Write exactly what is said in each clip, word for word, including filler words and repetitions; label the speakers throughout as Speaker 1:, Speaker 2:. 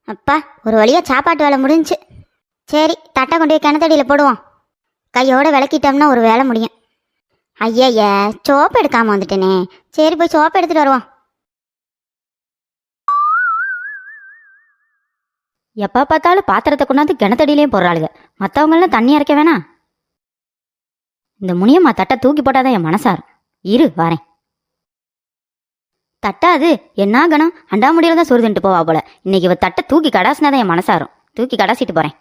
Speaker 1: அப்பா ஒரு வழியாக சாப்பாட்டு வேலை முடிஞ்சுச்சு. சரி தட்டை கொண்டு போய் கிணத்தடியில் போடுவோம். கையோடு விளக்கிட்டோம்னா ஒரு வேலை முடியும். ஐயா சோப்பு எடுக்காமல் வந்துட்டேனே. சரி போய் சோப்பு எடுத்துகிட்டு வருவோம்.
Speaker 2: எப்போ பார்த்தாலும் பாத்திரத்தை கொண்டாந்து கிணத்தடியிலையும் போடுறாளுங்க. மற்றவங்களாம் தண்ணி இறக்க வேணாம். இந்த முனியம்மா தட்டை தூக்கி போட்டாதான் என் மனசாரும். இரு வரேன். தட்டா அது என்ன கணம் அண்டாமுடியில தான் சொருதுன்ட்டு போவா போல. இன்னைக்கு இவ தட்டை தூக்கி கடாசினாதான் என் மனசாரும். தூக்கி கடாசிட்டு போறேன்.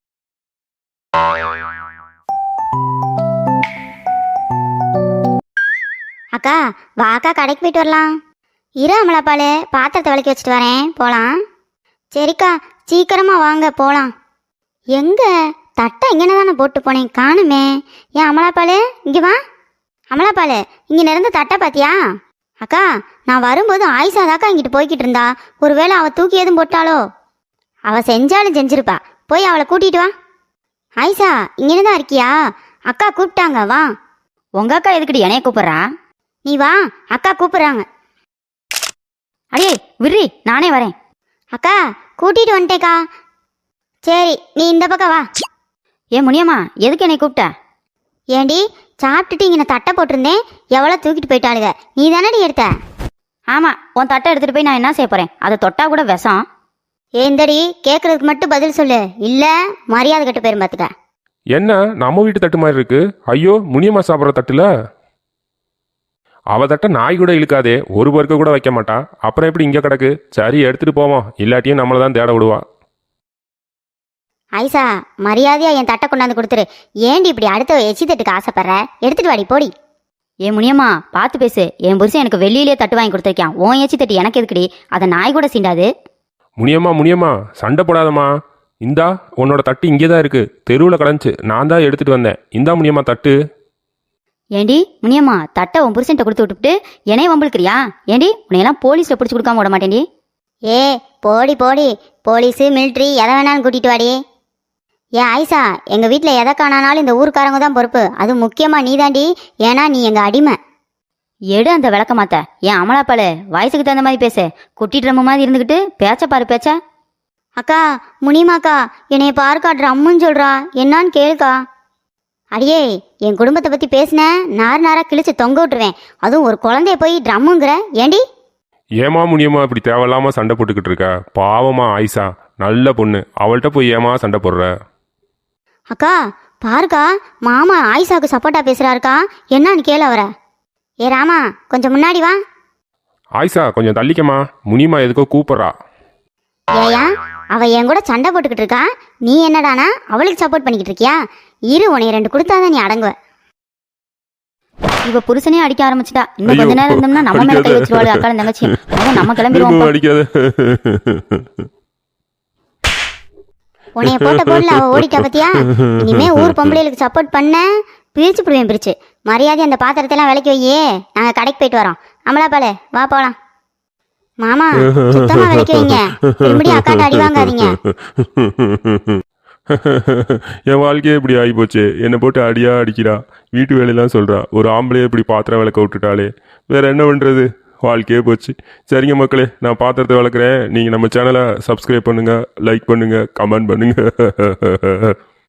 Speaker 1: அக்கா வாக்கா கடைக்கு போயிட்டு வரலாம். இரு அமலாப்பால் பாத்திரத்தை விளக்கி வச்சுட்டு வரேன், போகலாம். சரிக்கா சீக்கிரமா வாங்க போகலாம். எங்க தட்டை இங்கே தானே போட்டு போனேன், காணுமே. ஏன் அமலாப்பால் இங்கே வா. அமலாப்பால் இங்கே நிறந்த தட்டை பார்த்தியா? அக்கா நான் வரும்போது ஆயிஷாதாக்கா இங்கிட்டு போய்கிட்டு இருந்தா. ஒருவேளை அவள் தூக்கி எதுவும் போட்டாலோ? அவள் செஞ்சாலும் செஞ்சிருப்பா. போய் அவளை கூட்டிகிட்டு வா. ஆயிஷா இங்கே தான் இருக்கியா? அக்கா கூப்பிட்டாங்க, வா.
Speaker 2: உங்க அக்கா எதுக்கிட்டு என்னைய கூப்பிட்றா?
Speaker 1: நீ வா, அக்கா கூப்பிட்றாங்க.
Speaker 2: அடியே விர்ரி, நானே வரேன்.
Speaker 1: அக்கா கூட்டிகிட்டு வந்துட்டேக்கா. சரி நீ இந்த பக்கம் வா.
Speaker 2: ஏன் முனியம்மா எதுக்கு என்னை கூப்பிட்ட?
Speaker 1: ஏண்டி சாப்பிட்டுட்டு இங்கே தட்டை போட்டிருந்தேன், எவ்வளோ தூக்கிட்டு போயிட்டாளுங்க. நீ தானடி எடுத்த?
Speaker 2: ஆமாம், உன் தட்டை எடுத்துகிட்டு போய் நான் என்ன செய்ய போகிறேன்? அதை தொட்டா கூட விஷம்.
Speaker 1: ஏந்தடி கேட்குறதுக்கு மட்டும் பதில் சொல்லு, இல்லை மரியாதை கட்டு போயிரும் பார்த்துக்க.
Speaker 3: என்ன நம்ம வீட்டு தட்டு மாதிரி இருக்கு? ஐயோ முனியம்மா சாப்பிட்ற தட்டுல அவ தட்டை நாய் கூட இழுக்காதே, ஒரு பருக்க கூட வைக்க மாட்டா. அப்புறம் எப்படி இங்கே கிடக்கு? சரி எடுத்துட்டு போவோம், இல்லாட்டியும் நம்மளை தான் தேட விடுவா.
Speaker 1: ஐசா மரியாதையா என் தட்டை கொண்டாந்து கொடுத்துரு. ஏண்டி இப்படி அடுத்த எச்சி தட்டுக்கு ஆசைப்படுற? எடுத்துட்டு வாடி போடி.
Speaker 2: ஏன் முனியம்மா பார்த்து பேசு. என் புருஷன் எனக்கு வெளியிலே தட்டு வாங்கி கொடுத்துருக்கான். உன் எச்சி தட்டு எனக்கு எதுக்குடி? அதை நாய் கூட சீண்டாது.
Speaker 3: முனியம்மா முனியம்மா சண்டை போடாதம்மா. இந்தா உன்னோட தட்டு இங்கே தான் இருக்கு, தெருவில் கிடந்துச்சு, நான் தான் எடுத்துட்டு வந்தேன். இந்தா முனியம்மா தட்டு.
Speaker 2: ஏண்டி முனியம்மா தட்டை உன் புருஷன்ட்ட கொடுத்து விட்டுவிட்டு என்னைய வம்பிழுக்கிறியா? ஏண்டி உன்னையெல்லாம் போலீஸில் பிடிச்சி கொடுக்காம விட மாட்டேன்டி.
Speaker 1: ஏ போடி போடி, போலீஸு மிலிட்ரி எதை வேணாலும் கூட்டிட்டு வாடி. ஏ ஆயிஷா எங்கள் வீட்டில் எதை காணானாலும் இந்த ஊருக்காரங்க தான் பொறுப்பு. அது முக்கியமாக நீ தாண்டி, ஏன்னா நீ எங்கள் அடிமை.
Speaker 2: எடு அந்த விளக்க மாத்த. ஏன் அமலாப்பால் வயசுக்கு தகுந்த மாதிரி பேசு. குட்டிட்டு ரொம்ப மாதிரி இருந்துக்கிட்டு பேச்ச பாரு பேச்ச.
Speaker 1: அக்கா முனிமாக்கா என்னைய பார்க்கா ட்ரம்முன்னு சொல்கிறா, என்னான்னு கேளுக்கா. அடியே என் குடும்பத்தை பற்றி பேசினேன் நார் நாராக கிழிச்சு தொங்க விட்டுருவேன். அதுவும் ஒரு குழந்தைய போய் ட்ரம்முங்கிற. ஏண்டி
Speaker 3: ஏமா முனியம்மா இப்படி தேவையில்லாம சண்டை போட்டுக்கிட்டு இருக்க? பாவமா ஆயிஷா நல்ல பொண்ணு, அவள்கிட்ட போய் ஏமா சண்டை போடுற?
Speaker 1: அக்கா பாருக்கா மாமா ஆயிஷாவுக்கு சப்போர்ட்டா பேசுறாருக்கா, என்னன்னு கேளு அவரை. ஏ ராமா கொஞ்சம் முன்னாடி வா.
Speaker 3: ஆயிஷா கொஞ்சம் தள்ளிக்கமா, முனியம்மா எதுக்கோ கூப்பிட்றா.
Speaker 1: ஏயா அவ என் கூட சண்டை போட்டுக்கிட்டு இருக்கா, நீ என்னடானா அவளுக்கு சப்போர்ட் பண்ணிக்கிட்டு இருக்கியா? இரு உனைய ரெண்டு கொடுத்தாதான் நீ அடங்குவ.
Speaker 2: இவ புருஷனே அடிக்க ஆரம்பிச்சிட்டா. இன்னும் கொஞ்ச நேரம் இருந்தோம்னா நம்ம மேல கை வச்சிருவாள் அக்கால தங்கச்சி. நம்ம கிளம்பிடுவோம்.
Speaker 1: உனைய போட்ட போடல அவ ஓடிட்டா பத்தியா? இனிமே ஊர் பொம்பளைகளுக்கு சப்போர்ட் பண்ண பிரிச்சு பிடிவேன் பிரிச்சு. மரியாதை அந்த பாத்திரத்தை எல்லாம் விலைக்கு வையே, நாங்க கடைக்கு போயிட்டு வரோம். அமலாப்பாலே வா போலாம். மாமா சுத்தமா விலைக்கு வைங்க, திரும்படியும் அக்காட்ட அடி வாங்காதீங்க.
Speaker 3: என் வாழ்க்கையே இப்படி ஆகி போச்சு, என்னை போட்டு அடியா அடிக்கிறா, வீட்டு வேலையெல்லாம் சொல்றா. ஒரு ஆம்பளையே இப்படி பாத்திரம் விளக்க விட்டுட்டாலே, வேற என்ன பண்றது? வாழ்க்கையே போச்சு. சரிங்க மக்களே, நான் பாத்திரத்தை வளர்க்குறேன். நீங்கள் நம்ம சேனலை சப்ஸ்கிரைப் பண்ணுங்கள், லைக் பண்ணுங்கள், கமெண்ட் பண்ணுங்கள்.